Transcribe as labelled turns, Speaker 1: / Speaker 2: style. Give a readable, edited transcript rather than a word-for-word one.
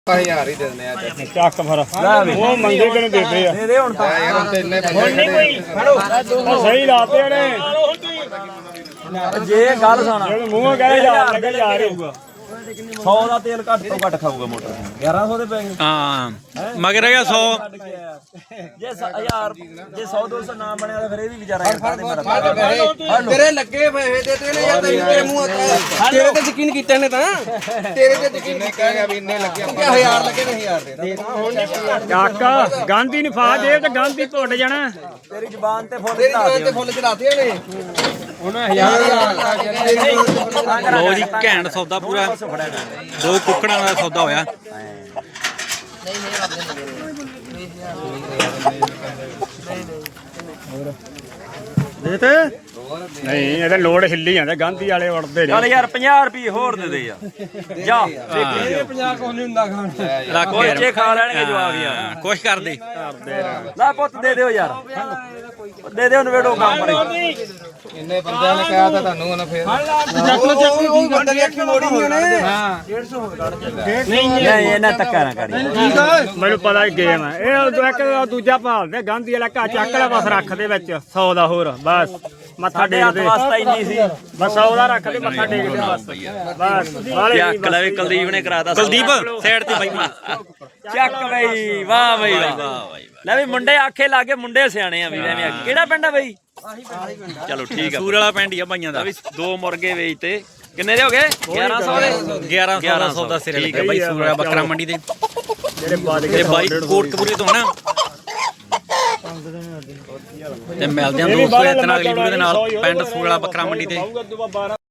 Speaker 1: 1000 ਹੀ ਦੇ ਦਿੰਦੇ ਆ
Speaker 2: ਚੱਕ ਫਿਰ ਉਹ ਮੰਗੇ ਕਿਨੂੰ ਦੇਦੇ ਆ
Speaker 3: ਦੇ ਹੁਣ ਤਾਂ
Speaker 1: ਯਾਰ ਤੇ ਇੰਨੇ
Speaker 2: ਹੁਣ ਨਹੀਂ ਕੋਈ ਉਹ ਸਹੀ ਲਾਤੇ ਨੇ
Speaker 3: ਜੇ ਗੱਲ ਸੁਣਾ
Speaker 2: ਜੇ ਮੂੰਹੋਂ ਕਹੇ ਯਾਰ ਲੱਗੇ ਯਾਰ ਹੋਊਗਾ
Speaker 3: 100 ਦਾ ਤੇਲ ਘੱਟ ਤੋਂ ਘੱਟ ਖਾਊਗਾ ਮੋਟਰ 1100 ਦੇ ਪੈ ਗਏ
Speaker 4: ਹਾਂ ਮਗਰ ਹੈਗਾ 100
Speaker 3: ਜੇ 1000 ਜੇ 100 200 ਨਾ ਬਣਿਆ ਤਾਂ ਫਿਰ ਇਹ ਵੀ ਵਿਚਾਰਾ ਯਾਰ
Speaker 1: ਤੇਰੇ ਲੱਗੇ ਪੈਸੇ ਦਿੱਤੇ ਨੇ ਯਾਰ ਤੇਰੇ ਮੂੰਹ ਤੇਰੇ ਤੇ ਯਕੀਨ ਕੀਤਾ ਨੇ ਤਾਂ ਤੇਰੇ ਤੇ ਯਕੀਨ ਨਹੀਂ ਕਹੇਗਾ ਵੀ ਇੰਨੇ ਲੱਗੇ 1000 ਲੱਗੇ ਨੇ 1000 ਦੇ
Speaker 2: ਚੱਕ ਗਾਂਧੀ ਨੂੰ ਫਾ ਦੇ ਤੇ ਗਾਂਧੀ ਭੁੱਟ ਜਾਣਾ
Speaker 3: ਤੇਰੀ ਜ਼ੁਬਾਨ ਤੇ ਫੁੱਲ
Speaker 1: ਤੇਰੀ
Speaker 3: ਚੜਾ
Speaker 1: ਦੁਕਾਨ ਤੇ ਫੁੱਲ ਚੜਾਤੇ ਨੇ
Speaker 2: ਹੁਣ 1000
Speaker 4: ਲੋ ਜੀ ਘੈਂਟ ਸੌਦਾ ਪੂਰਾ ਦੋ ਕੁੱਕੜਾਂ ਦਾ ਸੌਦਾ ਹੋਇਆ
Speaker 2: ਦੇ ਤੇ ਨਹੀਂ ਇਹਦਾ ਲੋੜ ਹਿੱਲੀ ਜਾਂਦਾ ਗਾਂਧੀ ਵਾਲੇ ਵੜਦੇ
Speaker 3: ਚੱਲ
Speaker 2: ਨੇ
Speaker 3: ਯਾਰ 50 ਰੁਪਏ ਹੋਰ ਦੇ ਦੇ ਯਾਰ ਜਾ ਦੇਖੀ
Speaker 1: 50 ਕੋਲ ਨਹੀਂ ਹੁੰਦਾ ਖਾਣ
Speaker 4: ਰੱਖ
Speaker 3: ਬੱਚੇ ਖਾ ਲੈਣਗੇ ਜਵਾਬ ਯਾਰ
Speaker 4: ਕੁਛ ਕਰਦੇ
Speaker 3: ਲੈ ਪੁੱਤ ਦੇ ਦਿਓ ਯਾਰ ਦੇ ਦਿਓ ਨਵੇੜੋ ਕੰਮ ਪਰੇ
Speaker 1: ਇੰਨੇ ਬੰਦਿਆਂ ਨੇ ਕਿਹਾ ਤਾਂ ਤੁਹਾਨੂੰ ਉਹਨਾਂ ਫੇਰ ਚੱਕ ਲੋ ਠੀਕ ਬੰਦੇ ਦੀ ਅੱਖੀ ਮੋੜੀ ਨਹੀਂ ਉਹਨੇ ਹਾਂ 150
Speaker 3: ਨਹੀਂ ਇਹਨਾਂ ਧੱਕਾ ਨਾ ਕਰੀ
Speaker 2: ਮੈਨੂੰ ਪਤਾ ਗੇਮ ਹੈ ਇਹ ਇੱਕ ਦੂਜਾ ਭਾਲਦੇ ਗਾਂਧੀ ਵਾਲਾ ਘਾ ਚੱਕ ਲੈ ਬਸ ਰੱਖ ਦੇ ਵਿੱਚ 100 ਦਾ ਹੋਰ ਬਸ ਮੱਥਾ ਟੇਕਦੇ
Speaker 3: ਵਾਸਤਾ ਇੰਨੀ ਸੀ
Speaker 2: ਬਸ 100 ਦਾ ਰੱਖ ਦੇ ਮੱਥਾ ਟੇਕਦੇ ਬਸ ਵਾਲੇ
Speaker 4: ਚੱਕ ਲੈ ਕੁਲਦੀਪ ਨੇ ਕਰਾਤਾ ਕੁਲਦੀਪ ਸਾਈਡ ਤੇ ਬਾਈ
Speaker 3: ਚੱਕ ਬਈ ਵਾਹ ਬਈ ਵਾਹ ਲੈ ਵੀ ਮੁੰਡੇ ਆਖੇ ਲਾਗੇ ਮੁੰਡੇ ਸਿਆਣੇ ਆ ਵੀ ਐਵੇਂ ਕਿਹੜਾ ਪਿੰਡ ਆ ਬਈ
Speaker 4: ਚਲੋ ਠੀਕ ਆ ਸੂਰ ਵਾਲਾ ਪਿੰਡ ਹੀ ਆ ਭਾਈਆਂ ਦਾ
Speaker 3: ਦੋ ਮੁਰਗੇ ਵੇਚਤੇ ਕਿੰਨੇ ਦੇ ਹੋ ਗਏ 1100 ਦੇ
Speaker 4: 1100 ਦਾ ਸਿਰੇ ਠੀਕ ਆ ਬਾਈ ਸੂਰ ਵਾਲਾ ਬੱਕਰਾ ਮੰਡੀ ਦੇ
Speaker 2: ਜਿਹੜੇ ਬਾਦ
Speaker 4: ਤੇ ਬਾਈ ਕੋਟਕਪੂਰੇ ਤੋਂ ਨਾ ਤੇ ਮਿਲਦੇ ਆ ਦੋਸਤੋ ਇਤਨਾ ਅਗਲੀ ਵੀਡੀਓ ਦੇ ਨਾਲ ਪਿੰਡ ਸੂਰ ਵਾਲਾ ਬੱਕਰਾ ਮੰਡੀ ਤੇ